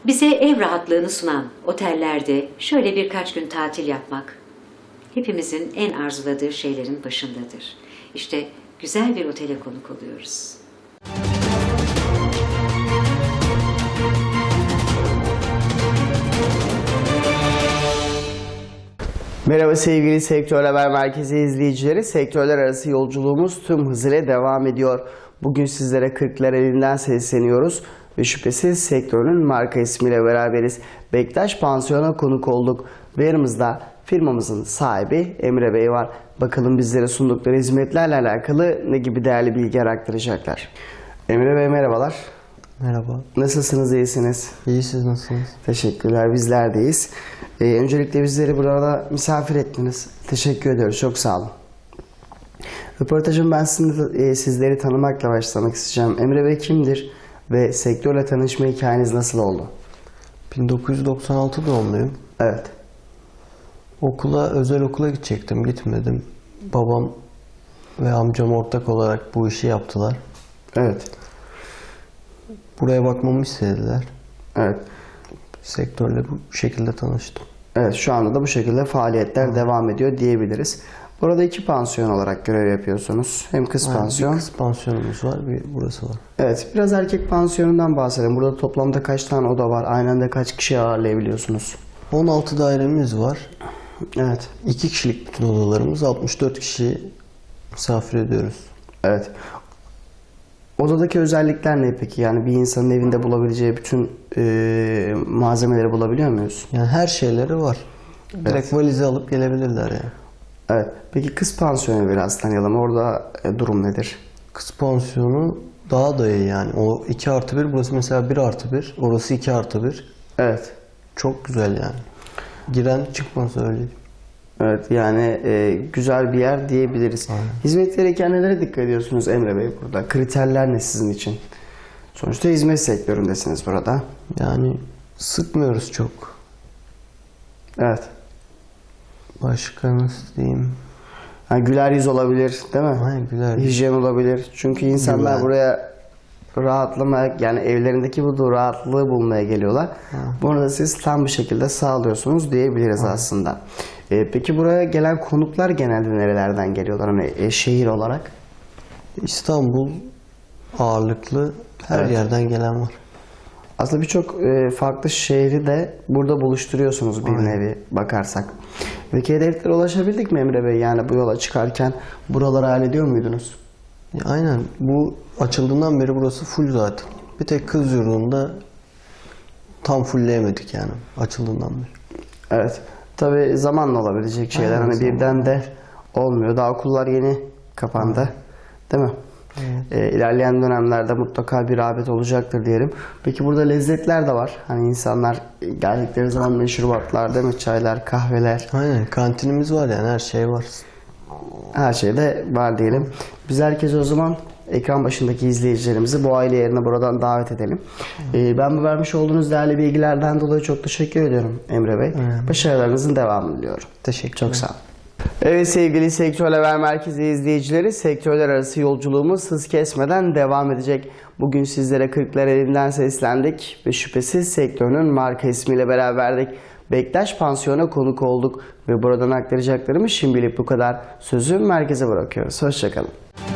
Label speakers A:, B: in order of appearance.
A: Bize ev rahatlığını sunan otellerde şöyle birkaç gün tatil yapmak hepimizin en arzuladığı şeylerin başındadır. İşte güzel bir otele konuk oluyoruz.
B: Merhaba sevgili Sektör Haber Merkezi izleyicileri. Sektörler arası yolculuğumuz tüm hızıyla devam ediyor. Bugün sizlere Kırklareli'nden sesleniyoruz ve şüphesiz sektörün marka ismiyle beraberiz. Bektaş Pansiyon'a konuk olduk ve yanımızda firmamızın sahibi Emre Bey var. Bakalım bizlere sundukları hizmetlerle alakalı ne gibi değerli bilgiler aktaracaklar. Emre Bey merhabalar.
C: Merhaba.
B: Nasılsınız, iyisiniz?
C: İyi, siz nasılsınız?
B: Teşekkürler, bizler deyiz. Öncelikle bizleri burada misafir ettiniz. Teşekkür ediyoruz, çok sağ olun. Röportajım ben sizleri tanımakla başlamak isteyeceğim. Emre Bey kimdir ve sektörle tanışma hikayeniz nasıl oldu?
C: 1996 doğumluyum.
B: Evet.
C: Özel okula gidecektim, gitmedim. Babam ve amcam ortak olarak bu işi yaptılar.
B: Evet.
C: Buraya bakmamı istediler.
B: Evet.
C: Sektörle bu şekilde tanıştım.
B: Evet, şu anda da bu şekilde faaliyetler devam ediyor diyebiliriz. Burada 2 pansiyon olarak görev yapıyorsunuz. Hem kız pansiyon.
C: Bir kız pansiyonumuz var, bir burası var.
B: Evet, biraz erkek pansiyonundan bahsedelim. Burada toplamda kaç tane oda var? Aynı anda kaç kişi ağırlayabiliyorsunuz?
C: 16 dairemiz var.
B: Evet.
C: 2 kişilik bütün odalarımız, 64 kişi misafir ediyoruz.
B: Evet. Odadaki özellikler ne peki? Yani bir insanın evinde bulabileceği bütün malzemeleri bulabiliyor muyuz?
C: Yani her şeyleri var. Direkt valize alıp gelebilirler yani.
B: Evet. Peki kız pansiyonu biraz tanıyalım. Orada durum nedir?
C: Kız pansiyonu daha da iyi yani. O 2+1, burası mesela 1+1, orası 2+1.
B: Evet.
C: Çok güzel yani. Giren çıkmaz öyle.
B: Evet, yani güzel bir yer diyebiliriz.
C: Aynen.
B: Hizmet verirken nelere dikkat ediyorsunuz Emre Bey burada? Kriterler ne sizin için? Sonuçta hizmet sektöründesiniz burada.
C: Yani sıkmıyoruz çok.
B: Evet.
C: Başka nasıl diyeyim?
B: Yani güler yüz olabilir, değil mi?
C: Aynen, güler yüz.
B: Hijyen olabilir. Çünkü insanlar
C: Güven.
B: buraya rahatlamaya, yani evlerindeki bu rahatlığı bulmaya geliyorlar. Bunu da siz tam bir şekilde sağlıyorsunuz diyebiliriz aslında. Peki buraya gelen konuklar genelde nerelerden geliyorlar? Hani şehir olarak?
C: İstanbul ağırlıklı, her
B: Evet.
C: yerden gelen var.
B: Aslında birçok farklı şehri de burada buluşturuyorsunuz bir
C: Aynen.
B: nevi bakarsak. Peki hedeflere ulaşabildik mi Emre Bey? Yani bu yola çıkarken buraları hallediyor muydunuz?
C: Aynen, bu açıldığından beri burası full zaten. Bir tek kız yurdunda tam fullleyemedik yani açıldığından beri.
B: Evet. Tabii zamanla olabilecek şeyler.
C: Aynen,
B: Hani
C: zamanla.
B: birden de olmuyor. Daha okullar yeni kapandı. Değil mi? İlerleyen dönemlerde mutlaka bir rağbet olacaktır diyelim. Peki burada lezzetler de var. Hani insanlar geldikleri zaman meşrubatlar, değil mi? Çaylar, kahveler.
C: Aynen, kantinimiz var yani, her şey var.
B: Her şey de var diyelim. Biz herkese o zaman ekran başındaki izleyicilerimizi bu aile yerine buradan davet edelim. Ben bu vermiş olduğunuz değerli bilgilerden dolayı çok teşekkür ediyorum Emre Bey. Başarılarınızın devamını diliyorum.
C: Teşekkür
B: Çok sağ olun. Evet sevgili Sektör Haber Merkezi izleyicileri, sektörler arası yolculuğumuz hız kesmeden devam edecek. Bugün sizlere Kırklareli'nden seslendik ve şüphesiz sektörün marka ismiyle beraberdik. Bektaş Pansiyon'a konuk olduk ve buradan aktaracaklarımız şimdilik bu kadar. Sözü merkeze bırakıyoruz. Hoşçakalın.